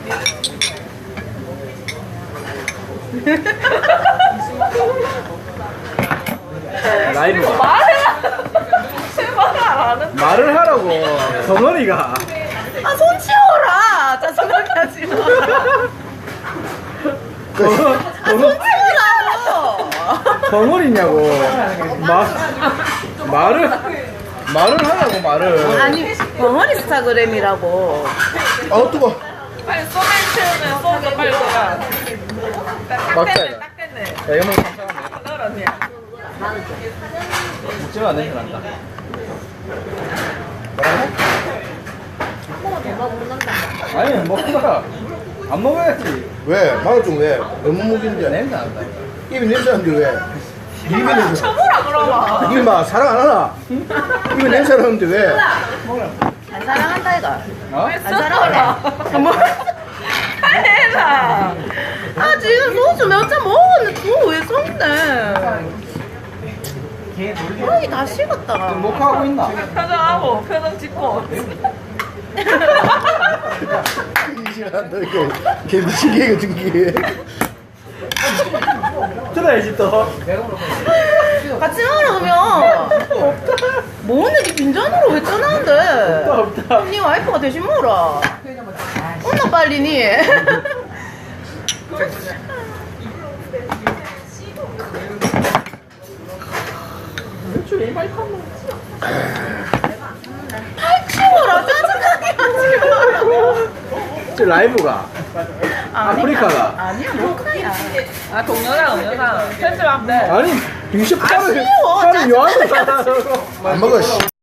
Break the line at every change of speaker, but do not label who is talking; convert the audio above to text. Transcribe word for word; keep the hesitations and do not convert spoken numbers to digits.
라이브
말해라. 제발 안 하는.
말을 하라고 덩어리가.
아, 손 치워라. 짜증나게 하지 마.
덩어-
아, 손
덩어-
치우라고.
덩어리냐고. 마, 말을 말을 하라고 말을.
아니, 벙어리 스타그램이라고.
아 뜨거.
빨리 소맥 채우면 소주 빨리 들어가. 딱
맞다,
됐네,
이거.
딱 됐네.
야 이거 먹으면
넣었네.
먹지마 안 냄새 난다. 아니 먹다가 안 먹어야지.
왜? 마늘 좀 왜? 너무 먹인데.
냄새 난다.
입이 냄새 나는데 왜? 입이 냄새.
쳐보라 그러면.
이게 막 사랑 안 하나? 입이 냄새 나는데 왜?
안 사랑한다 이거.
어?
안 사랑하네. 뭐? 해라. 아 지금 소주 몇 잔 먹었는데 그거 왜 썼네? 아이 다 식었다.
목하고 있나?
표정하고 표정 짓고.
이시간다 이거 걔 미치게 등기해.
들어야지 또.
같이 먹으러 오면. 뭐 오늘 이 빈잔으로 왜 떠나는데?
없다 없다.
네 와이프가 대신 먹어라. 온나 빨리 니. 팔 치워라 짜증나게 하지 마.
저 라이브가. 아프리카가.
아니야 모카야. 아 동영상 동영상 편집하면 돼.
아니 비숍
아,
차를
쉬워.
차를 요한을
안 먹어. 씨.